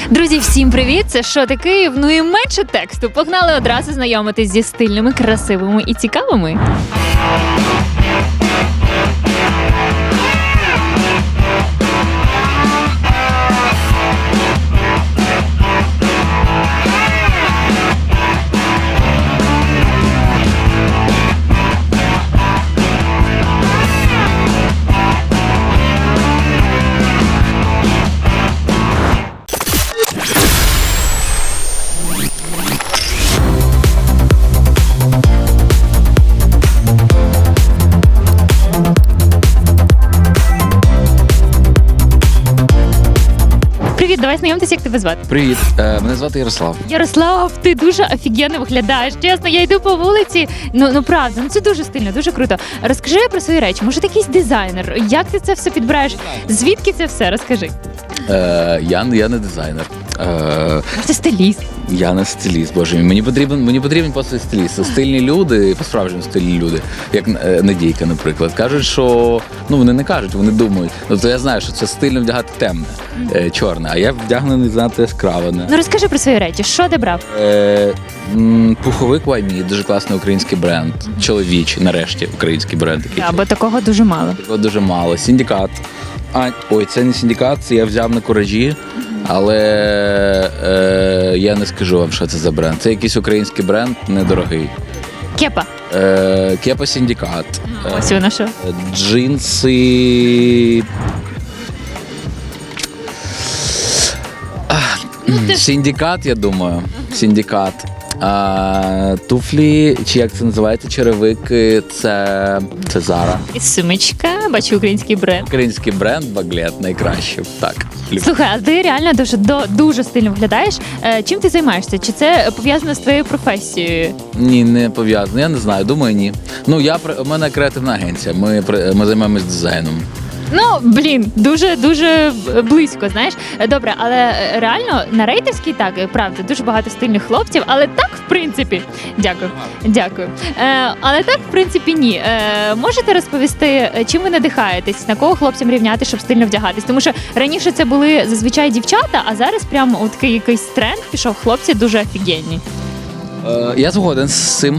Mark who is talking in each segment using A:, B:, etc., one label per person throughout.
A: Друзі, всім привіт! Це «Шоти Київ». Ну і менше тексту. Погнали одразу знайомитись зі стильними, красивими і цікавими. Привіт, давай знайомтеся, як тебе звати.
B: Привіт, мене звати Ярослав.
A: Ярослав, ти дуже офігенно виглядаєш. Чесно, я йду по вулиці. Ну правда, це дуже стильно, дуже круто. Розкажи про свої речі. Може, ти якийсь дизайнер? Як ти це все підбираєш? Звідки це все? Розкажи.
B: Я не дизайнер.
A: Може, ти стиліст?
B: Я не стиліст, боже мій. Мені потрібен просто стиліст. Стильні люди, по-справжньому стильні люди, як Надійка, наприклад, кажуть, що вони не кажуть, вони думають. То я знаю, що це стильно вдягати темне, чорне, а я вдягнений занадто яскраво.
A: Ну розкажи про свої речі. Що ти брав?
B: Пуховик YME, дуже класний український бренд. Чоловічий, нарешті, український бренд.
A: Бо такого дуже мало.
B: Такого дуже мало. Синдикат. Це не синдикат, це я взяв на куражі. Але я не скажу вам, що це за бренд. Це якийсь український бренд, недорогий.
A: Кепа.
B: Кепа Синдикат.
A: Ось воно що.
B: Джинси. Синдикат, я думаю. Синдикат. Туфлі, чи як це називається, черевики, це Zara.
A: І сумочка, бачу український бренд.
B: Український бренд, баглет, найкраще. Так.
A: Слухай, а ти реально дуже стильно виглядаєш. Чим ти займаєшся? Чи це пов'язано з твоєю професією?
B: Ні, не пов'язано. Я не знаю, думаю, ні. У мене креативна агенція, ми займаємось дизайном.
A: Дуже близько, знаєш. Добре, але реально на рейтерській так, правда, дуже багато стильних хлопців, але так, в принципі, дякую. Але так, в принципі, ні. Можете розповісти, чим ви надихаєтесь, на кого хлопцям рівняти, щоб стильно вдягатись? Тому що раніше це були зазвичай дівчата, а зараз прямо такий якийсь тренд пішов, хлопці дуже офігенні.
B: Я згоден з цим.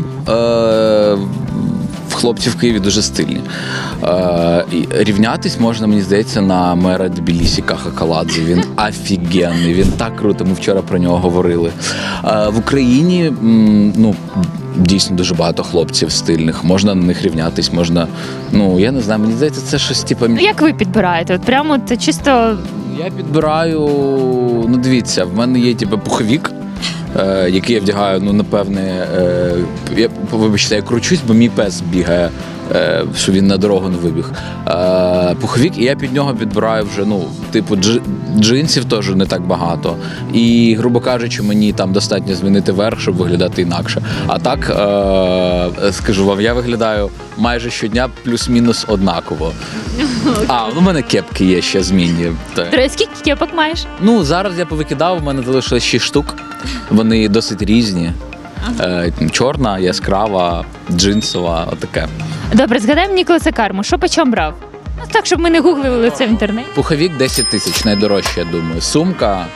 B: Хлопці в Києві дуже стильні. Рівнятись можна, мені здається, на мера Тбілісі Каха Каладзе. Він офігенний, він так круто, ми вчора про нього говорили. В Україні дійсно дуже багато хлопців стильних, можна на них рівнятись, можна, я не знаю, мені здається, це щось типу...
A: Як ви підбираєте? От прямо це чисто...
B: Я підбираю, дивіться, в мене є пуховік, який я вдягаю, напевне, я кручусь, бо мій пес бігає, що він на дорогу не вибіг. Пуховік, і я під нього підбираю вже, джинсів теж не так багато. І, грубо кажучи, мені там достатньо змінити верх, щоб виглядати інакше. А так, скажу вам, я виглядаю майже щодня плюс-мінус однаково. У мене кепки є ще змінні.
A: Скільки кепок маєш?
B: Зараз я повикидав, у мене залишилось 6 штук. Вони досить різні. Чорна, яскрава, джинсова, отаке.
A: Добре, згадаємо Ніколаса Карму. Що по чому брав? Так, щоб ми не гуглили це в інтернеті.
B: Пуховік 10 тисяч, найдорожче, я думаю. Сумка.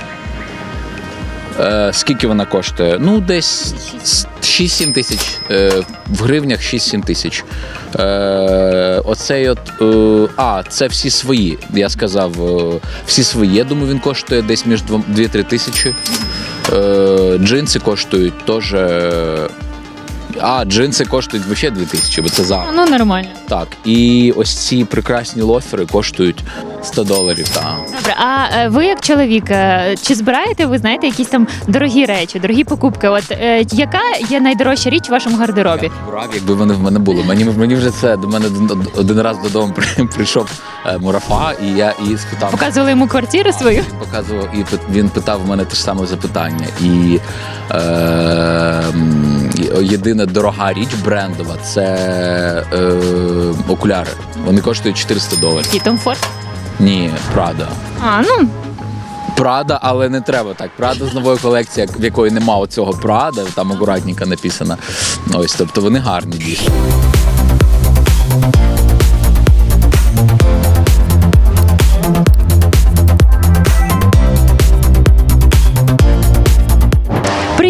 B: Скільки вона коштує? Десь 6-7 тисяч. В гривнях 6-7 тисяч. Оцей це всі свої. Я сказав, всі свої. Я думаю, він коштує десь між 2-3 тисячі. Джинси коштують теж... джинси коштують взагалі 2000, бо це Zara.
A: Нормально.
B: Так, і ось ці прекрасні лофери коштують $100, так.
A: Добре, а ви як чоловік, чи збираєте ви, знаєте, якісь там дорогі речі, дорогі покупки? Яка є найдорожча річ у вашому гардеробі?
B: Я б брав, якби вони в мене були. Мені вже це, до мене один раз додому прийшов Мурафа, і я спитав...
A: Показували йому квартиру свою?
B: Він показував, і він питав в мене те ж саме запитання. І єдина дорога річ брендова – це окуляри. Вони коштують $400.
A: І Том Форд?
B: Ні, Прада. Прада, але не треба так. Прада з нової колекції, в якої нема оцього Прада, там акуратненько написано. Тобто вони гарні дійсно.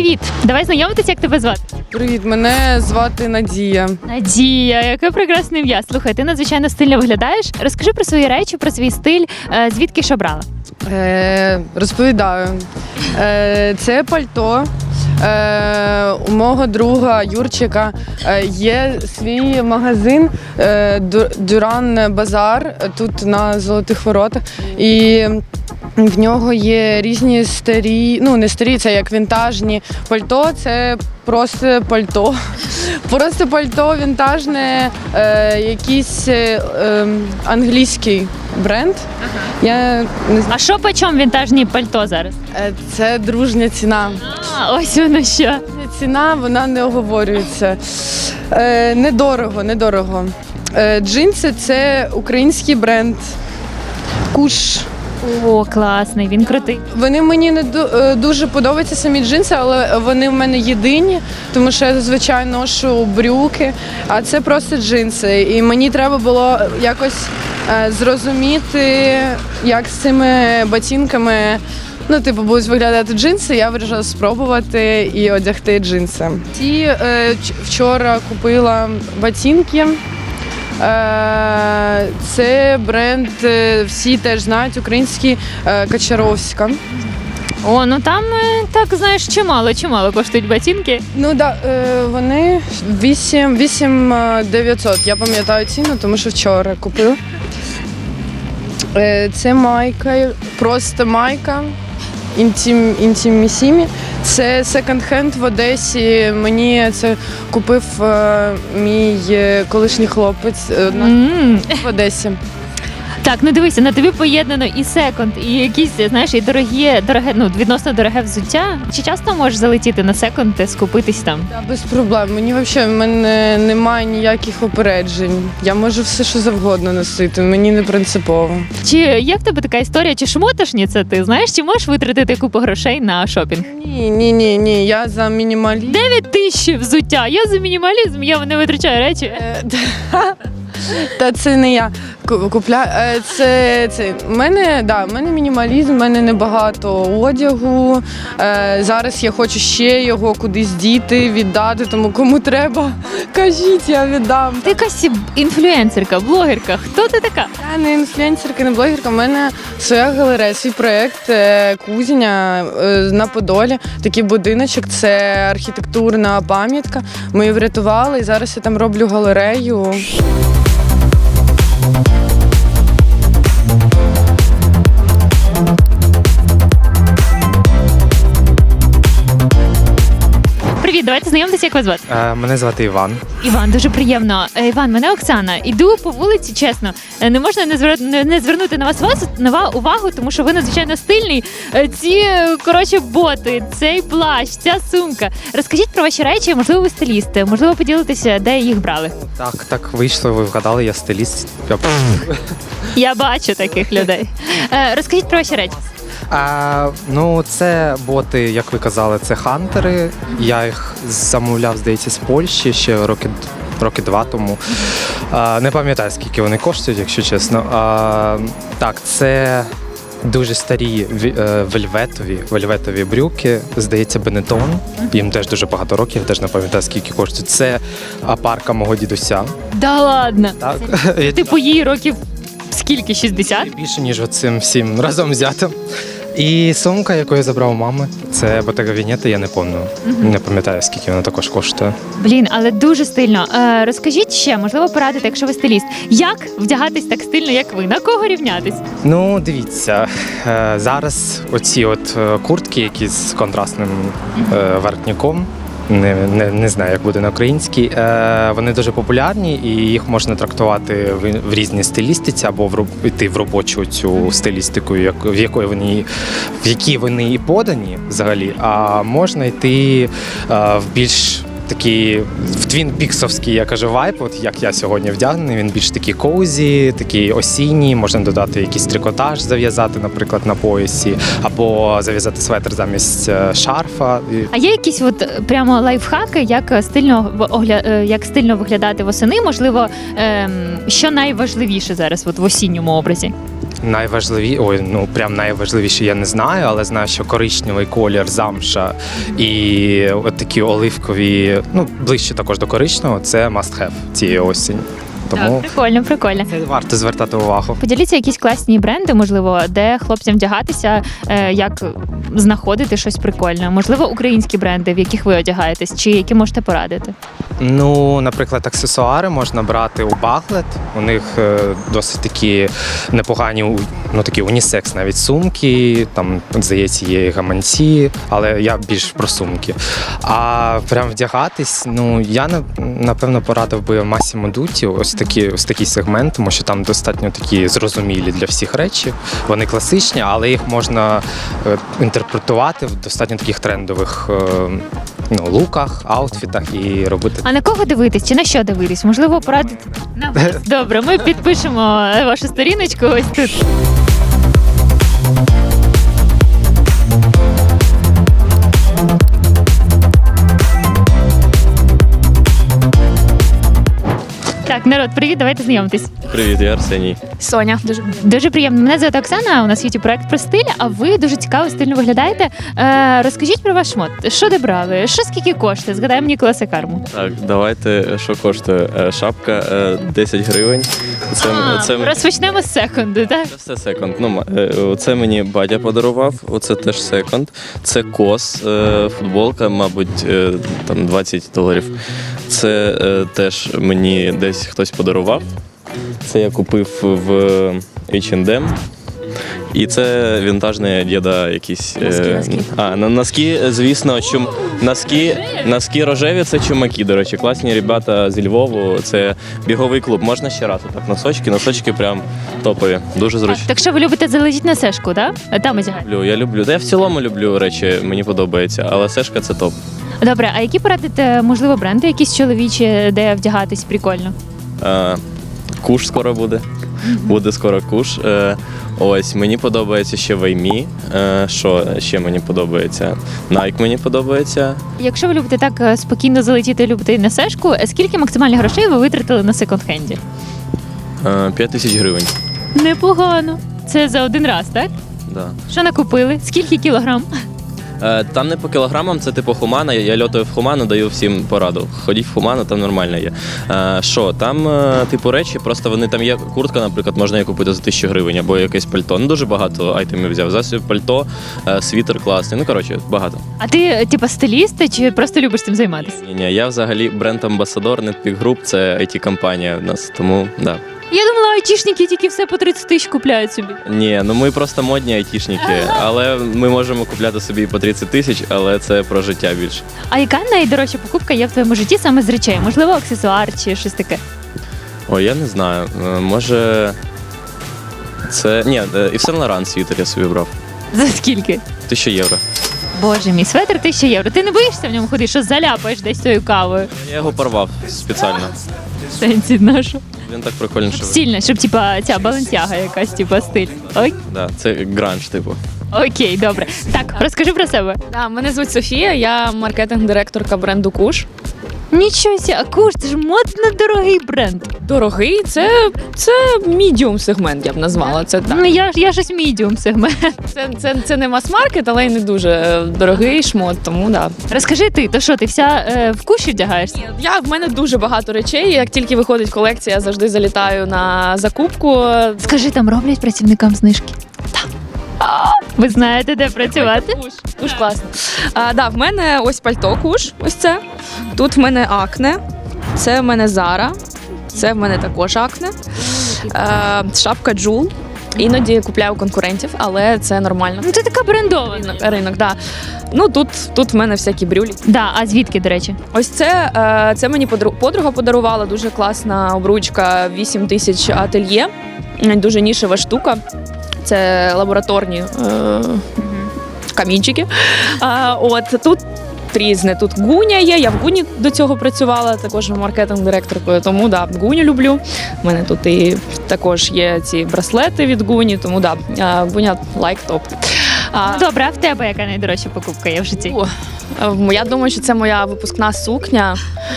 A: Привіт! Давай знайомитися, як тебе звати.
C: Привіт, мене звати Надія.
A: Надія, яке прекрасне ім'я. Слухай, ти надзвичайно стильно виглядаєш. Розкажи про свої речі, про свій стиль, звідки ж обрала?
C: Розповідаю. Це пальто. У мого друга Юрчика є свій магазин Дюран Базар тут на Золотих Воротах. І в нього є різні старі, ну не старі, це як вінтажні пальто, це просто пальто. Просто пальто вінтажне, якийсь англійський бренд. Я не знаю.
A: А що по чому вінтажні пальто зараз?
C: Це дружня ціна.
A: Ось воно що.
C: Ціна, вона не оговорюється. Недорого. Джинси – це український бренд. Куш.
A: О, класний, він крутий.
C: Вони мені не дуже подобаються самі джинси, але вони в мене єдині, тому що я зазвичай ношу брюки, а це просто джинси. І мені треба було якось зрозуміти, як з цими ботинками будуть виглядати джинси. Я вирішила спробувати і одягти джинси. Вчора купила ботинки. Це бренд, всі теж знають, український Качаровська.
A: О, ну там, так, знаєш, чимало коштують ботинки.
C: Ну так, вони 8 900. Я пам'ятаю ціну, тому що вчора купила. Це майка, просто майка. Інтімісімі. Це секонд-хенд в Одесі. Мені це купив мій колишній хлопець в Одесі.
A: Так, ну дивися, на тобі поєднано і секонд, і якісь, знаєш, і дороге, відносно дороге взуття. Чи часто можеш залетіти на секонд і скупитись там?
C: Так, без проблем. Мені взагалі в мене немає ніяких опереджень. Я можу все, що завгодно носити, мені не принципово.
A: Чи є в тебе така історія, чи шмотошниця ти, знаєш, чи можеш витратити купу грошей на шопінг?
C: Ні, я за мінімалізм.
A: 9 тисяч взуття, я за мінімалізм, я не витрачаю речі.
C: Та це не я купляю. В мене мінімалізм, в мене небагато одягу. Зараз я хочу ще його кудись діти, віддати, тому кому треба, кажіть, я віддам.
A: Ти якась інфлюенсерка, блогерка. Хто ти така?
C: Я не інфлюенсерка, не блогерка. У мене своя галерея, свій проєкт Кузня на Подолі. Такий будиночок, це архітектурна пам'ятка. Ми її врятували і зараз я там роблю галерею.
A: Привіт, давайте знайомитися, як вас звати.
D: Мене звати Іван.
A: Іван, дуже приємно. Іван, мене Оксана. Іду по вулиці, чесно. Не можна не звернути на вас увагу, тому що ви надзвичайно стильний. Ці, боти, цей плащ, ця сумка. Розкажіть про ваші речі, можливо, ви стилісти, можливо, поділитеся, де їх брали.
D: Так вийшло, ви вгадали, я стиліст.
A: Я бачу таких людей. Розкажіть про ваші речі.
D: Це боти, як ви казали, це хантери. Я їх замовляв, здається, з Польщі ще роки 2 тому. Не пам'ятаю, скільки вони коштують, якщо чесно. Так, це дуже старі вельветові брюки, здається, Бенетон. Їм теж дуже багато років, я теж не пам'ятаю, скільки коштують. Це парка мого дідуся.
A: Да ладно?
D: Так.
A: Типу їй років скільки, 60?
D: Більше, ніж оцим всім разом взятим. І сумка, яку я забрав у мами, це Bottega Veneta, я не пам'ятаю. Не пам'ятаю, скільки вона також коштує.
A: Блін, але дуже стильно. Розкажіть ще, можливо, порадите, якщо ви стиліст, як вдягатись так стильно, як ви? На кого рівнятись?
D: Ну, дивіться, зараз оці куртки, які з контрастним воротником, не знаю, як буде на українській, вони дуже популярні і їх можна трактувати в різній стилістиці або йти в робочу цю стилістику, в якій вони і подані взагалі, а можна йти в більш такий в твін-піксовський, я кажу, вайп, от як я сьогодні вдягнений, він більш такий коузі, такий осінній, можна додати якийсь трикотаж, зав'язати, наприклад, на поясі, або зав'язати светр замість шарфа.
A: А є якісь прямо лайфхаки, як стильно виглядати восени? Можливо, що найважливіше зараз в осінньому образі?
D: прям найважливіше я не знаю, але знаю, що коричневий колір, замша і от такі оливкові, ближче також до коричневого, це must have цієї осені. Тому
A: Так, прикольно, прикольно.
D: це варто звертати увагу.
A: Поділіться якісь класні бренди, можливо, де хлопцям вдягатися, як знаходити щось прикольне. Можливо, українські бренди, в яких ви одягаєтесь, чи які можете порадити.
D: Наприклад, аксесуари можна брати у Баглет. У них досить такі непогані, такі унісекс навіть сумки, там, здається, є і гаманці, але я більш про сумки. А прям вдягатись, я, напевно, порадив би Massimo Dutti, ось такий сегмент, тому що там достатньо такі зрозумілі для всіх речі. Вони класичні, але їх можна інтерпретувати в достатньо таких трендових луках, аутфітах і робити.
A: А на кого дивитись? Чи на що дивитись? Можливо, порадити на вас. Добре, ми підпишемо вашу сторіночку ось тут. Так, народ, привіт, давайте знайомитись.
E: Привіт, я Арсеній.
F: Соня.
A: Дуже приємно. Мене звати Оксана, у нас є проект про стиль, а ви дуже цікаво, стильно виглядаєте. Розкажіть про ваш мод. Що де брали? Що скільки коштує? Згадаємо Ніколаса Карму.
E: Так, давайте, що коштує? Шапка 10 гривень.
A: Розпочнемо з секунду, так?
E: Це все секонд. Це мені батя подарував, оце теж секонд. Це кос, футболка, мабуть, там $20. Це теж мені десь хтось подарував. Це я купив в H&M. І це вінтажний діда якісь. Носки, звісно, носки рожеві, це чумаки, до речі. Класні ребята зі Львову, це біговий клуб. Можна ще раз отак носочки прям топові, дуже зручні.
A: Так що ви любите залетіти на сешку, так? Там одягаєте?
E: Я люблю. Я в цілому люблю речі, мені подобається, але сешка це топ.
A: Добре, а які порадите, можливо, бренди якісь чоловічі, де вдягатись прикольно?
E: Куш скоро буде. Буде скоро куш. Ось, мені подобається ще Ваймі. Що ще мені подобається? Nike мені подобається.
A: Якщо ви любите так спокійно залетіти, любите на сешку, скільки максимальних грошей ви витратили на секонд-хенді?
E: 5000 гривень.
A: Непогано. Це за один раз, так?
E: Да.
A: Що накупили? Скільки кілограм?
E: Там не по кілограмам, це типу Хумана. Я льотаю в Хуману, даю всім пораду. Ходіть в Хуману, там нормально є. Що, там типу речі, просто вони там є куртка, наприклад, можна її купити за 1000 гривень або якесь пальто. Дуже багато айтемів взяв. Засіб пальто, світер класний. Багато.
A: А ти, типу, стиліст чи просто любиш цим займатися?
E: Ні, я взагалі бренд-амбасадор Netpeak Group, це IT-компанія в нас, тому да.
A: Я думала, айтішники тільки все по 30 тисяч купляють собі.
E: Ні, ми просто модні айтішники, але ми можемо купляти собі і по 30 тисяч, але це про життя більше.
A: А яка найдорожча покупка є в твоєму житті саме з речей? Можливо, аксесуар чи щось таке?
E: Ой, я не знаю. Може, це... Ні, і Saint Laurent світер я собі брав.
A: За скільки?
E: 1000 євро.
A: Боже мій, светр 1000 євро. Ти не боїшся в ньому ходити, що заляпаєш десь тою кавою?
E: Я його порвав спеціально.
A: Сенсі нашу.
E: Він так прикольно, що...
A: Стильно, щоб типа ця балансяга якась, типа стиль. Ой?
E: Да, це гранж, типу.
A: Окей, добре. Так, розкажи про себе.
F: Да, мене звуть Софія, я маркетинг-директорка бренду Куш.
A: Нічого сі, а Куш, це ж модно дорогий бренд.
F: Дорогий, це мідіум сегмент, я б назвала. Це так.
A: Ну я щось мідіум сегмент.
F: Це не мас-маркет, але й не дуже дорогий шмот, тому да.
A: Розкажи ти, то що, ти вся в Куші вдягаєшся?
F: В мене дуже багато речей. Як тільки виходить колекція, я завжди залітаю на закупку.
A: Скажи, там роблять працівникам знижки? Так. Ви знаєте, де працювати?
F: Куш класно. В мене ось пальто Куш, ось це. Тут в мене Акне, це в мене Зара, це в мене також Акне. Шапка Джул. Іноді купляю конкурентів, але це нормально.
A: Ну ти така брендована.
F: Ринок, да. Тут в мене всякі брюлі.
A: Да, а звідки, до речі?
F: Ось це мені подруга подарувала, дуже класна обручка, 8000 ательє, дуже нішева штука. Це лабораторні камінчики. Тут різне. Тут Гуня є, я в Гуні до цього працювала, також маркетинг-директоркою, тому да, Гуню люблю. У мене тут і також є ці браслети від Гуні, тому да, Гуня лайк топ.
A: Добре, а в тебе яка найдорожча покупка є в житті?
F: Я думаю, що це моя випускна сукня.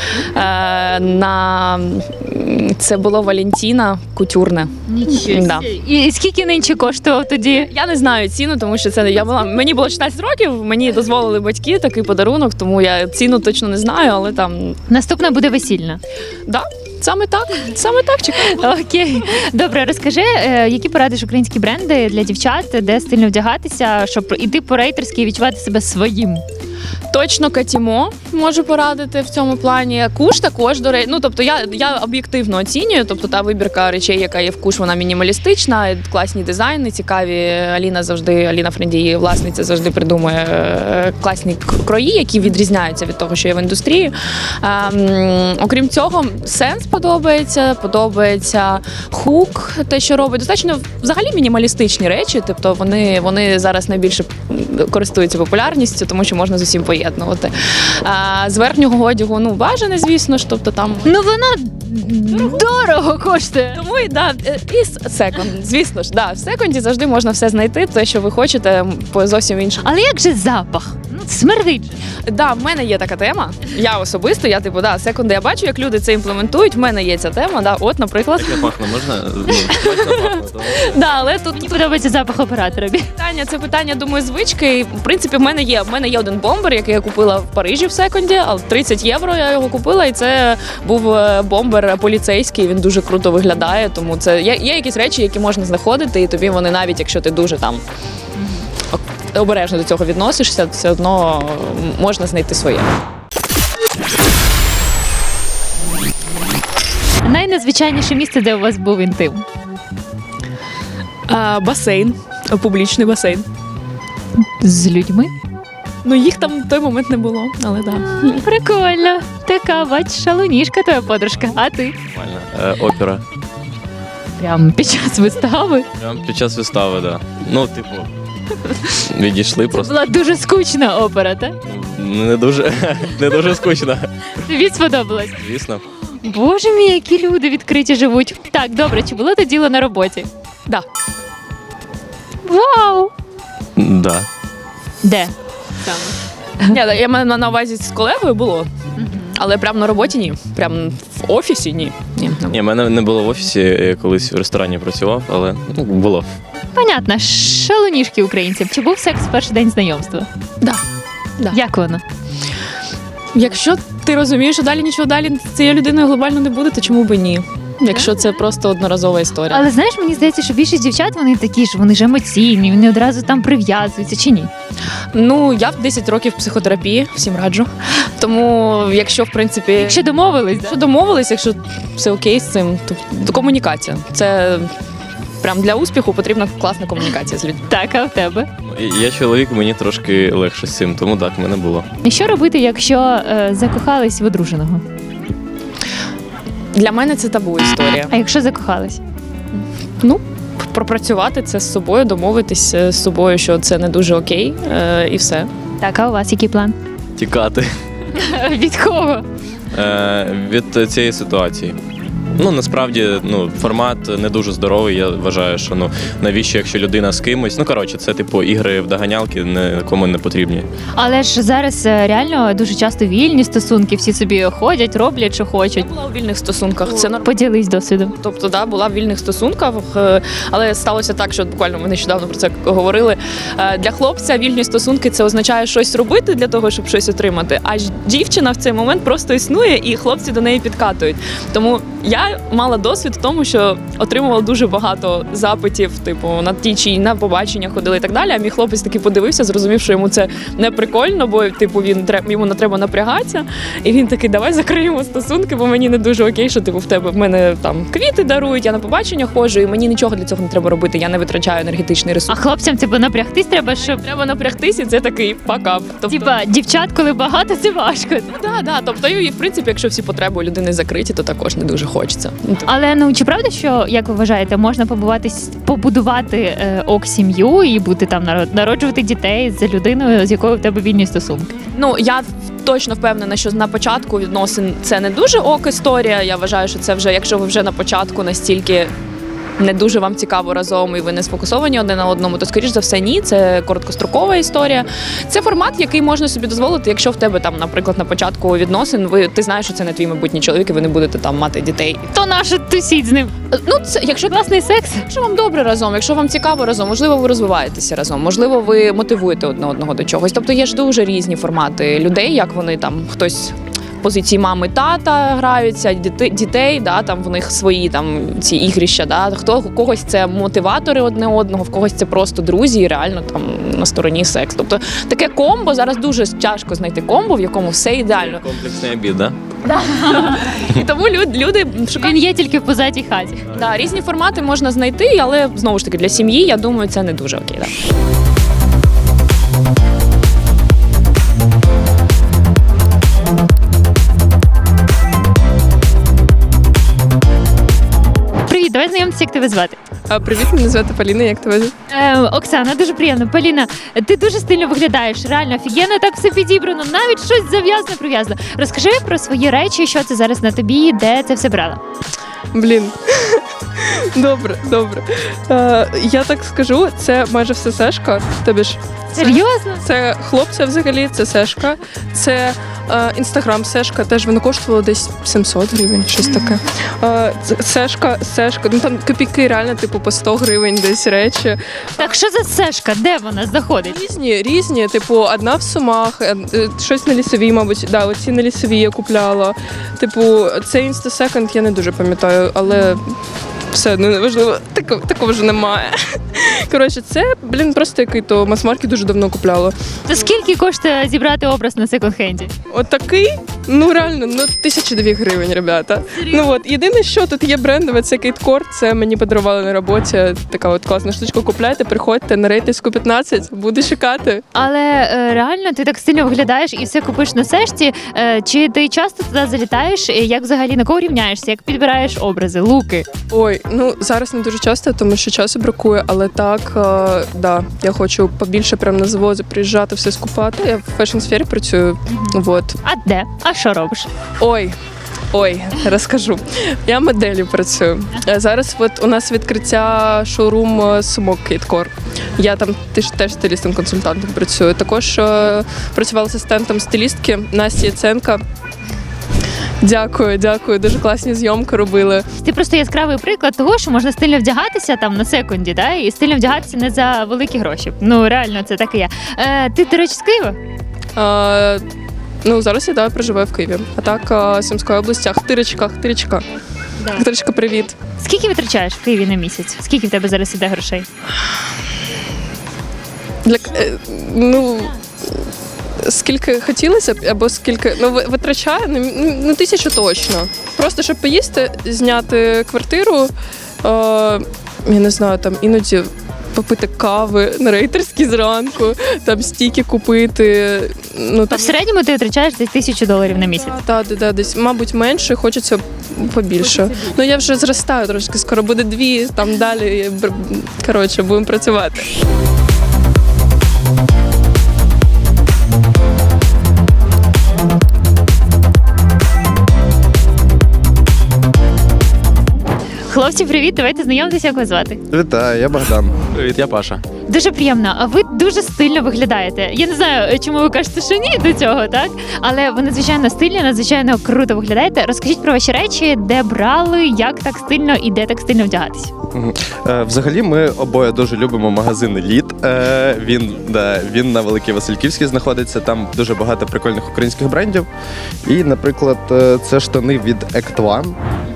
F: Це було Валентіна кутюрне. Да.
A: І скільки нинче коштував тоді?
F: Я не знаю ціну, тому що мені було 16 років, мені дозволили батьки такий подарунок, тому я ціну точно не знаю, але там
A: Наступна буде весільна.
F: да, саме так чекаю.
A: Окей. Добре, розкажи, які порадиш українські бренди для дівчат, де стильно вдягатися, щоб іти по рейтерськи і відчувати себе своїм?
F: Точно Катімо можу порадити в цьому плані. Куш також, до речі. Ну, тобто я об'єктивно оцінюю. Тобто та вибірка речей, яка є в Куш, вона мінімалістична, класні дизайни, цікаві. Аліна Френді, її власниця, завжди придумує класні крої, які відрізняються від того, що є в індустрії. Окрім цього, сенс подобається хук, те, що робить. Достатньо взагалі мінімалістичні речі. Тобто вони зараз найбільше користуються популярністю, тому що можна з усім поєднувати. З верхнього одягу, бажане, звісно ж, тобто там...
A: Ну, воно дорого коштує.
F: Тому і секонд, звісно ж, в секонді завжди можна все знайти, те, що ви хочете, по зовсім іншому.
A: Але як же запах? Смердить.
F: В мене є така тема. Я особисто, секунди, я бачу, як люди це імплементують. В мене є ця тема. От, наприклад.
E: Як я пахну, можна?
F: Але тут
A: Мені подобається запах оператора.
F: це питання, думаю, звички. І, в принципі, в мене є один бомбер, який я купила в Парижі в секонді, але 30 євро я його купила, і це був бомбер поліцейський, він дуже круто виглядає, тому це є якісь речі, які можна знаходити, і тобі вони навіть, якщо ти дуже там обережно до цього відносишся, все одно можна знайти своє.
A: Найнезвичайніше місце, де у вас був інтим?
F: Басейн, публічний басейн.
A: З людьми?
F: Їх там в той момент не було, але так.
A: Прикольно. Така, бач, шалунішка твоя подружка. А ти?
E: Нормально. Опера.
A: Прямо під час вистави?
E: Прямо під час вистави, так. Відійшли просто.
A: Була дуже скучна опера, так?
E: Не дуже скучно.
A: Тобі сподобалось?
E: Звісно.
A: Боже мій, які люди відкриті живуть. Так, добре, чи було це діло на роботі?
F: Да.
A: Вау!
E: Да.
A: Де?
F: Я маю на увазі з колегою було, але прямо на роботі ні. Прямо в офісі ні.
E: Ні, мене не було в офісі, я колись в ресторані працював, але було.
A: Понятно, шалунішки українців. Чи був секс в перший день знайомства?
F: Да.
A: Як воно?
F: Якщо ти розумієш, що нічого далі з цією людиною глобально не буде, то чому би ні? Якщо це просто одноразова історія.
A: Але знаєш, мені здається, що більшість дівчат, вони такі ж, вони ж емоційні, вони одразу там прив'язуються, чи ні?
F: Я в 10 років психотерапії, всім раджу. Тому, якщо, в принципі...
A: Якщо домовились,
F: Якщо домовились, якщо все окей з цим, то комунікація. Це прям для успіху потрібна класна комунікація з людьми.
A: Так, а в тебе?
E: Я чоловік, мені трошки легше з цим, тому так, в мене було.
A: І що робити, якщо закохались в одруженого?
F: Для мене це табу історія.
A: А якщо закохались?
F: Пропрацювати це з собою, домовитись з собою, що це не дуже окей, і все.
A: Так, а у вас який план?
E: Тікати
A: Від кого?
E: від цієї ситуації. Насправді, формат не дуже здоровий. Я вважаю, що навіщо, якщо людина з кимось. Це типу ігри в доганялки, нікому не потрібні.
A: Але ж зараз реально дуже часто вільні стосунки, всі собі ходять, роблять, що хочуть.
F: Я була у вільних стосунках. Це нормально.
A: Поділись досвідом.
F: Тобто, була в вільних стосунках, але сталося так, що буквально ми нещодавно про це говорили. Для хлопця вільні стосунки це означає щось робити для того, щоб щось отримати. А дівчина в цей момент просто існує, і хлопці до неї підкатують. Тому я мала досвід в тому, що отримувала дуже багато запитів, на ті чи на побачення ходили і так далі. А мій хлопець таки подивився, зрозумів, що йому це не прикольно, бо йому не треба напрягатися. І він такий: давай закриємо стосунки, бо мені не дуже окей, що в мене там квіти дарують, я на побачення ходжу, і мені нічого для цього не треба робити. Я не витрачаю енергетичний ресурс.
A: А хлопцям напрягтись треба, щоб
F: Треба напрягтись, і це такий пакап.
A: дівчат, коли багато, це важко.
F: Да. Тобто, і в принципі, якщо всі потреби у людини закриті, то також не дуже хочеться.
A: Але чи правда, що, як ви вважаєте, можна побудувати сім'ю і бути там народжувати дітей з людиною, з якою в тебе вільні стосунки?
F: Я точно впевнена, що на початку відносин це не дуже ок історія. Я вважаю, що це вже, якщо ви вже на початку настільки не дуже вам цікаво разом і ви не сфокусовані один на одному, то скоріш за все ні. Це короткострокова історія. Це формат, який можна собі дозволити, якщо в тебе там, наприклад, на початку відносин, ти знаєш, що це не твій майбутній чоловік, і ви не будете там мати дітей.
A: То наше тусіть з ним.
F: Ну, це якщо
A: Класний секс.
F: Якщо вам добре разом, якщо вам цікаво разом, можливо, ви розвиваєтеся разом, можливо, ви мотивуєте одне одного до чогось. Тобто є ж дуже різні формати людей, як вони там хтось в позиції мами, тата граються, дітей, да, там в них свої там ці ігрища. Да, у когось це мотиватори одне одного, в когось це просто друзі, і реально там на стороні секс. Тобто таке комбо зараз дуже тяжко знайти комбо, в якому все ідеально.
E: Комплексний обід, да?
F: І тому люди шукають.
A: Він є тільки в позатій хаті.
F: Да, різні формати можна знайти, але знову ж таки для сім'ї, я думаю, це не дуже окей. Да.
A: Привіт, давай знайомитися, як тебе звати.
C: Привіт, мене звати Поліна, як тебе?
A: Оксана, дуже приємно. Поліна, ти дуже стильно виглядаєш, реально офігенно, так все підібрано, навіть щось зав'язано, прив'язано. Розкажи про свої речі, що це зараз на тобі, де це все брала.
G: Блін. Добре. Я так скажу, це майже все сешка. Тобі ж
A: Серйозно?
G: це хлопця взагалі, це сешка. Це інстаграм сешка, теж воно коштувало десь 700 гривень, щось таке. Сешка, ну там копійки реально, типу, по 100 гривень десь речі.
A: Так що за сешка? Де вона знаходить?
G: Різні, типу, одна в Сумах, щось на Лісовій, мабуть, да, оці на Лісовій я купляла. Типу, це інстасеконд, я не дуже пам'ятаю, але все одно неважливо, такого ж немає. Коротше, це, просто який-то мас-маркет дуже давно купляла.
A: То скільки коштує зібрати образ на секонд-хенді?
G: От такий, ну реально, 1002 гривень, ребята. Ну от, єдине, що тут є брендове, це Кейткор, це мені подарували на роботі. Така от класна штучка, купляйте, приходьте на рейтинську 15, буду чекати.
A: Але реально ти так стильно виглядаєш і все купиш на сешці. Чи ти часто туди залітаєш? Як взагалі на кого рівняєшся? Як підбираєш образи, луки?
G: Ой, ну зараз не дуже часто, тому що часу бракує, але так, да, я хочу побільше прямо на заводи приїжджати, все скупати. Я в фешн-сфері працюю, от.
A: А де? А що робиш?
G: Ой, розкажу. Я моделлю працюю. Зараз от у нас відкриття шоурум сумок Кейткор. Я там теж стилістом-консультантом працюю. Також працювала асистентом стилістки Насті Яценка. Дякую, дуже класні зйомки робили.
A: Ти просто яскравий приклад того, що можна стильно вдягатися там на секунді, да? І стильно вдягатися не за великі гроші. Ну реально, це так і є. Ти, до речі, з Києва?
G: Ну, зараз я проживаю в Києві. А так, Сумської області, Ахтирочка. Ахтирочка, привіт.
A: Скільки витрачаєш в Києві на місяць? Скільки в тебе зараз іде грошей?
G: Скільки хотілося б, або скільки, витрачаю, 1000 точно. Просто, щоб поїсти, зняти квартиру, я не знаю, там іноді попити кави на рейтерській зранку, там стійки купити.
A: В середньому ти витрачаєш десь $1000 на місяць.
G: Так, десь, мабуть, менше, хочеться побільше. Ну, я вже зростаю трошки, скоро буде 2, там далі, коротше, будемо працювати.
A: Хлопці, привіт, давайте знайомитися, як вас звати.
H: Вітаю, я Богдан.
E: Привіт, я Паша.
A: Дуже приємно. А ви дуже стильно виглядаєте. Я не знаю, чому ви кажете, що ні до цього, так? Але ви надзвичайно стильні, надзвичайно круто виглядаєте. Розкажіть про ваші речі, де брали, як так стильно і де так стильно вдягатись.
H: Взагалі, ми обоє дуже любимо магазин Еліт. Він на Великій Васильківській знаходиться. Там дуже багато прикольних українських брендів. І, наприклад, це штани від Act One,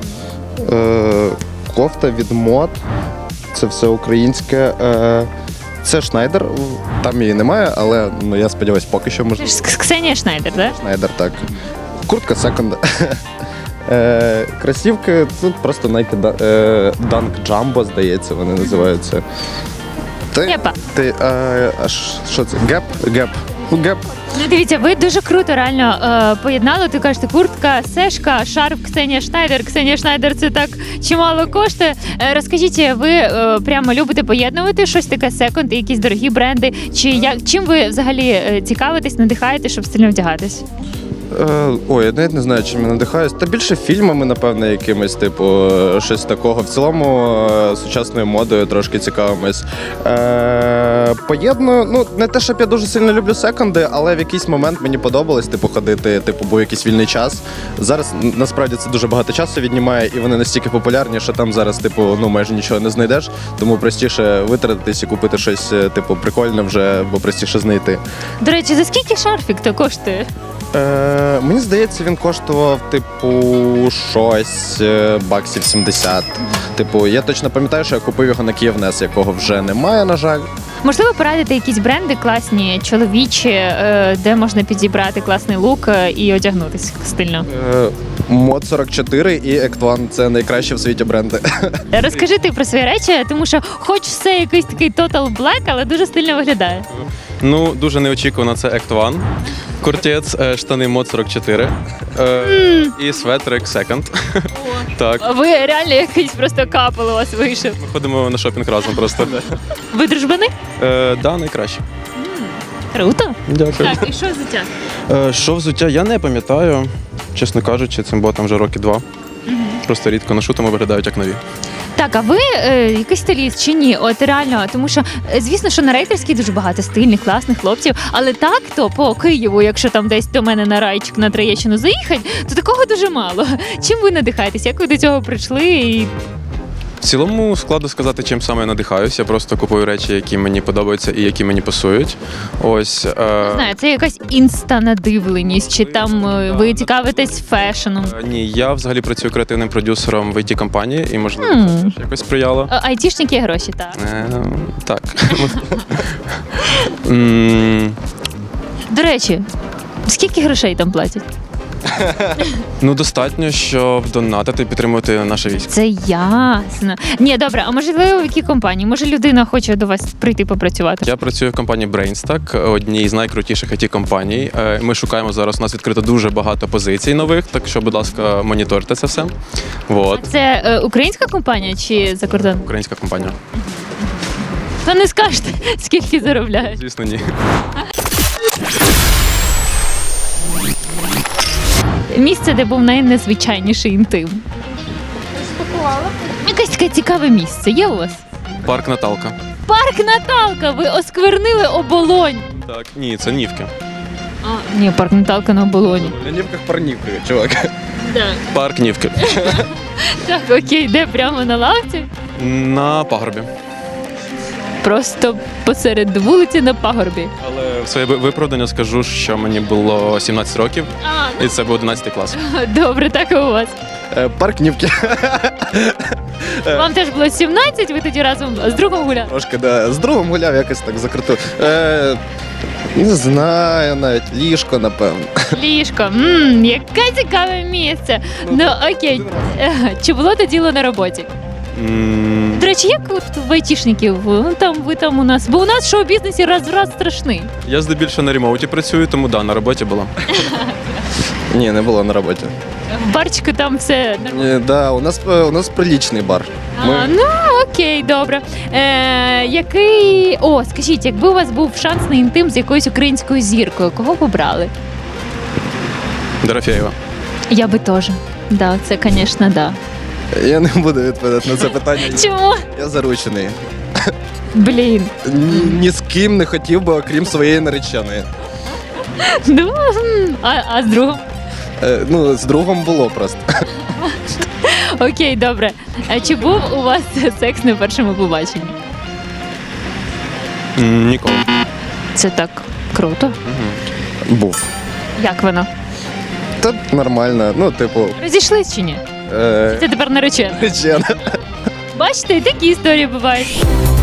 H: кофта від Мод. Це все українське. Це Шнайдер, там її немає, але я сподіваюся, поки що можна.
A: Ксенія Шнайдер, так?
H: Шнайдер, так. Куртка секонд. Кросівки, тут просто Nike Dunk Jumbo, здається, вони називаються.
A: Гепа.
H: Що це? Геп.
A: Ну, дивіться, ви дуже круто реально поєднали. Ти кажете, куртка, сешка, шарф Ксенія Шнайдер. Ксенія Шнайдер це так чимало коштує. Розкажіть, ви прямо любите поєднувати щось таке секонд і якісь дорогі бренди? Чи чим ви взагалі цікавитесь, надихаєте, щоб стильно вдягатись?
H: Ой, я навіть не знаю, чим я надихаюсь. Та більше фільмами, напевно, якимось, типу, щось такого. В цілому сучасною модою трошки цікавимось. Поєдную, ну, не те, щоб я дуже сильно люблю секонди, але в якийсь момент мені подобалось, типу, ходити, типу, був якийсь вільний час. Зараз, насправді, це дуже багато часу віднімає, і вони настільки популярні, що там зараз, типу, ну, майже нічого не знайдеш, тому простіше витратитись і купити щось, типу, прикольне вже, бо простіше знайти.
A: До речі, за скільки шарфік то коштує?
H: Мені здається, він коштував, типу, щось баксів 70. Типу, я точно пам'ятаю, що я купив його на Київнес, якого вже немає, на жаль.
A: Можливо, порадити якісь бренди класні, чоловічі, де можна підібрати класний лук і одягнутися стильно.
H: Мод 44 і Ектван це найкращі в світі бренди.
A: Розкажи ти про свої речі, тому що хоч все якийсь такий Total Black, але дуже стильно виглядає.
I: Ну, дуже неочікувано, це Act One. Куртець, штани мод 44 і светрик Second. Так,
A: Ви реально якийсь просто капел у вас вийшов.
I: ми ходимо на шопінг разом просто.
A: Ви дружбани?
I: Да, найкраще.
A: Круто.
I: Дякую.
A: Так, і що взуття?
I: Що взуття, я не пам'ятаю, чесно кажучи, цим ботам вже роки 2. Просто рідко ношу, тому виглядають як нові.
A: Так, а ви якийсь стиліст чи ні? От реально, тому що звісно, що на рейтерській дуже багато стильних, класних хлопців, але так то по Києву, якщо там десь до мене на райчик на Троєщину заїхати, то такого дуже мало. Чим ви надихаєтесь? Як ви до цього прийшли? І
I: В цілому складно сказати, чим саме я надихаюсь. Я просто купую речі, які мені подобаються і які мені пасують. Ось.
A: не знаю, це якась інстанадивленість, чи там ви цікавитесь фешеном?
I: Ні, я взагалі працюю креативним продюсером в IT-компанії і, можливо, це теж якось сприяло.
A: Айтішники є гроші, так.
I: Так.
A: До речі, скільки грошей там платять?
I: Ну, достатньо, щоб донатити і підтримувати наше військо.
A: Це ясно. Ні, добре, а можливо, в якій компанії? Може, людина хоче до вас прийти попрацювати?
I: Я працюю в компанії Brainstack, одній з найкрутіших IT-компаній. Ми шукаємо зараз, у нас відкрито дуже багато позицій нових, так що, будь ласка, моніторте це все. Вот.
A: Це українська компанія чи закордонна?
I: Українська компанія.
A: То не скажете, скільки заробляють.
I: Звісно, ні.
A: Місце, де був найнезвичайніший інтим. Якесь таке цікаве місце. Є у вас?
I: Парк Наталка.
A: Парк Наталка! Ви осквернили оболонь.
I: Так, ні, це Нівки.
A: Ні, парк Наталка на оболоні.
H: На нівках парнівки, чувак.
I: Парк Нівки.
A: Так, окей, де прямо на лавці?
I: На пагорбі.
A: Просто посеред вулиці на пагорбі.
I: Але в своє виправдання скажу, що мені було 17 років, і це був 11 клас.
A: Добре, так і у вас.
H: Парк Нівки.
A: Вам теж було 17, ви тоді разом з другом гуляли?
H: Трошки, да. З другом гуляв, якось так закрутив. Не знаю, навіть ліжко, напевно.
A: Ліжко. Яке цікаве місце. Ну окей. Чи було то діло на роботі? До речі, як от в айтішників? Ну, там ви там у нас. Бо у нас в шоу-бізнесі раз в раз страшний.
I: Я здебільшого на ремоуті працюю, тому да, на роботі була.
H: Ні, не було на роботі.
A: В барчику там все нормально.
H: Да, у нас прилічний бар.
A: Ну окей, добре. Який. О, скажіть, якби у вас був шанс на інтим з якоюсь українською зіркою, кого б обрали?
I: Дорофєєва.
A: Я би теж. Да, це, звісно, да.
H: Я не буду відповідати на це питання.
A: Чому?
H: Я заручений.
A: Блін.
H: Ні з ким не хотів би, окрім своєї нареченої.
A: Ну, а з другом?
H: Ну, з другом було просто.
A: Окей, добре. А чи був у вас секс на першому побаченні?
I: Ніколи.
A: Це так круто.
H: Був.
A: Як воно?
H: Та нормально, ну, типу,
A: Розійшлись чи ні? Це тепер наречена.
H: наречена.
A: Бачите, і такі історії бувають.